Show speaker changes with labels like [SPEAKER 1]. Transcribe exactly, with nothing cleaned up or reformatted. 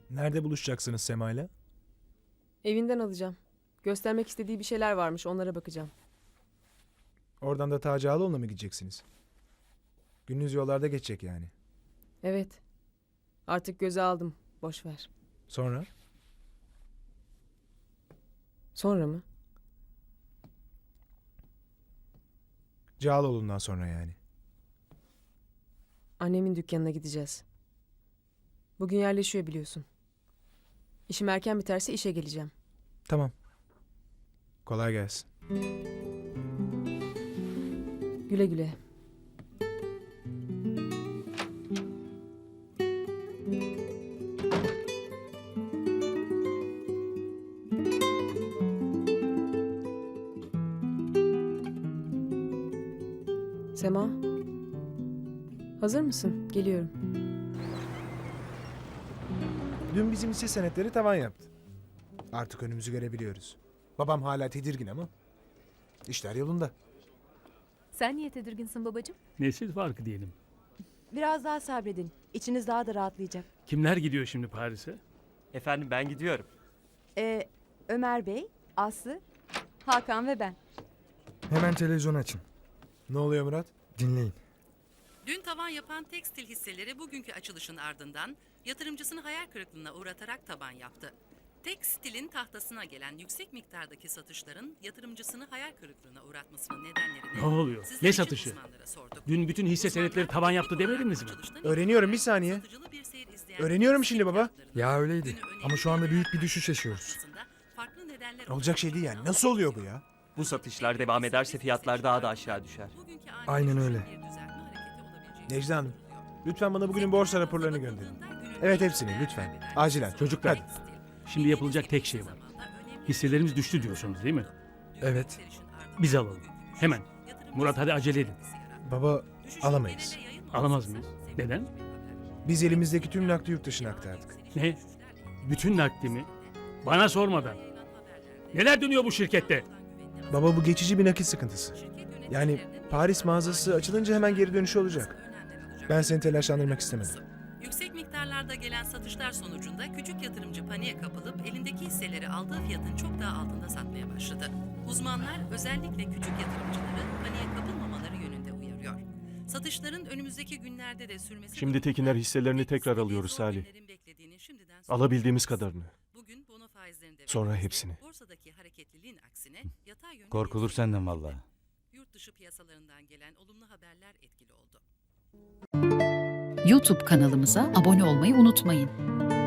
[SPEAKER 1] Nerede buluşacaksınız Sema'yla?
[SPEAKER 2] Evinden alacağım. Göstermek istediği bir şeyler varmış, onlara bakacağım.
[SPEAKER 1] Oradan da Taci Ağaoğlu'na mı gideceksiniz? Gününüz yollarda geçecek yani.
[SPEAKER 2] Evet. Artık göze aldım. Boş ver.
[SPEAKER 1] Sonra?
[SPEAKER 2] Sonra mı?
[SPEAKER 1] Cağaloğlu'ndan sonra yani.
[SPEAKER 2] Annemin dükkanına gideceğiz. Bugün yerleşiyor biliyorsun. İşim erken biterse işe geleceğim.
[SPEAKER 1] Tamam. Kolay gelsin.
[SPEAKER 2] Güle güle. Sema. Hazır mısın? Geliyorum.
[SPEAKER 1] Dün bizim hisse senetleri tavan yaptı. Artık önümüzü görebiliyoruz. Babam hala tedirgin ama işler yolunda.
[SPEAKER 3] Sen niye tedirginsin babacığım?
[SPEAKER 4] Nesil farkı diyelim.
[SPEAKER 5] Biraz daha sabredin. İçiniz daha da rahatlayacak.
[SPEAKER 4] Kimler gidiyor şimdi Paris'e?
[SPEAKER 6] Efendim ben gidiyorum.
[SPEAKER 5] Ee, Ömer Bey, Aslı, Hakan ve ben.
[SPEAKER 7] Hemen televizyon açın.
[SPEAKER 1] Ne oluyor Murat?
[SPEAKER 7] Dinleyin.
[SPEAKER 8] Dün tavan yapan tekstil hisseleri bugünkü açılışın ardından yatırımcısını hayal kırıklığına uğratarak taban yaptı. Tekstilin tahtasına gelen yüksek miktardaki satışların yatırımcısını hayal kırıklığına uğratmasının nedenlerini
[SPEAKER 4] Ne oluyor?
[SPEAKER 8] sizler
[SPEAKER 4] Ne
[SPEAKER 8] için
[SPEAKER 4] satışı?
[SPEAKER 8] uzmanlara sorduk.
[SPEAKER 4] Dün bütün hisse
[SPEAKER 8] Uzmanlar
[SPEAKER 4] senetleri tavan yaptı
[SPEAKER 8] teknik olarak
[SPEAKER 4] demediniz mi?
[SPEAKER 8] açılıştan
[SPEAKER 1] Öğreniyorum, bir
[SPEAKER 8] itibaren
[SPEAKER 1] saniye.
[SPEAKER 8] satıcılı bir seyir izleyen
[SPEAKER 1] Öğreniyorum
[SPEAKER 8] yüksek
[SPEAKER 1] şimdi baba.
[SPEAKER 8] fiyatlarının
[SPEAKER 7] Ya öyleydi.
[SPEAKER 8] günü önemli
[SPEAKER 7] Ama şu anda
[SPEAKER 8] bir
[SPEAKER 7] büyük bir
[SPEAKER 8] değer
[SPEAKER 7] düşüş
[SPEAKER 8] kaybı
[SPEAKER 7] yaşıyoruz.
[SPEAKER 8] karşısında farklı nedenler
[SPEAKER 1] Olacak şey değil yani. Nasıl oluyor bu ya?
[SPEAKER 6] Bu satışlar devam ederse fiyatlar daha da aşağı düşer.
[SPEAKER 8] Bugünkü ani
[SPEAKER 7] Aynen
[SPEAKER 8] düşüşün
[SPEAKER 7] öyle.
[SPEAKER 8] bir düzeltme hareketi olabileceği
[SPEAKER 1] Necla Hanım,
[SPEAKER 8] düşünülüyor.
[SPEAKER 1] lütfen bana bugünün borsa raporlarını gönderin. Evet, hepsini lütfen. Acilen.
[SPEAKER 4] Çocuklar,
[SPEAKER 1] Hadi.
[SPEAKER 4] şimdi yapılacak tek şey var. Hisselerimiz düştü diyorsunuz değil mi?
[SPEAKER 7] Evet.
[SPEAKER 4] Biz alalım. Hemen. Murat hadi acele edin.
[SPEAKER 1] Baba, alamayız.
[SPEAKER 4] Alamaz mıyız? Neden?
[SPEAKER 1] Biz elimizdeki tüm nakdi yurt dışına aktardık.
[SPEAKER 4] Ne? Bütün nakdimi bana sormadan. Neler dönüyor bu şirkette?
[SPEAKER 1] Baba, bu geçici bir nakit sıkıntısı. Yani Paris mağazası açılınca hemen geri dönüşü olacak. Ben seni telaşlandırmak istemedim.
[SPEAKER 8] Yüksek miktarlarda gelen satışlar sonucunda küçük yatırımcı paniğe kapılıp elindeki hisseleri aldığı fiyatın çok daha altında satmaya başladı. Uzmanlar özellikle küçük yatırımcıları paniğe kapılmamaları yönünde uyarıyor. Satışların önümüzdeki günlerde de sürmesi...
[SPEAKER 9] Şimdi Tekiner hisselerini tekrar alıyoruz Salih. Alabildiğimiz kadarını.
[SPEAKER 8] Bugün bono faizlerinde
[SPEAKER 9] Sonra
[SPEAKER 8] ve
[SPEAKER 9] hepsini.
[SPEAKER 8] borsadaki hareketliliğin aksine yatay yönde
[SPEAKER 10] Korkulur
[SPEAKER 8] bir
[SPEAKER 10] senden
[SPEAKER 8] seyir
[SPEAKER 10] vallahi.
[SPEAKER 8] Yurt dışı piyasalarından gelen olumlu haberler etkili oldu.
[SPEAKER 11] YouTube kanalımıza abone olmayı unutmayın.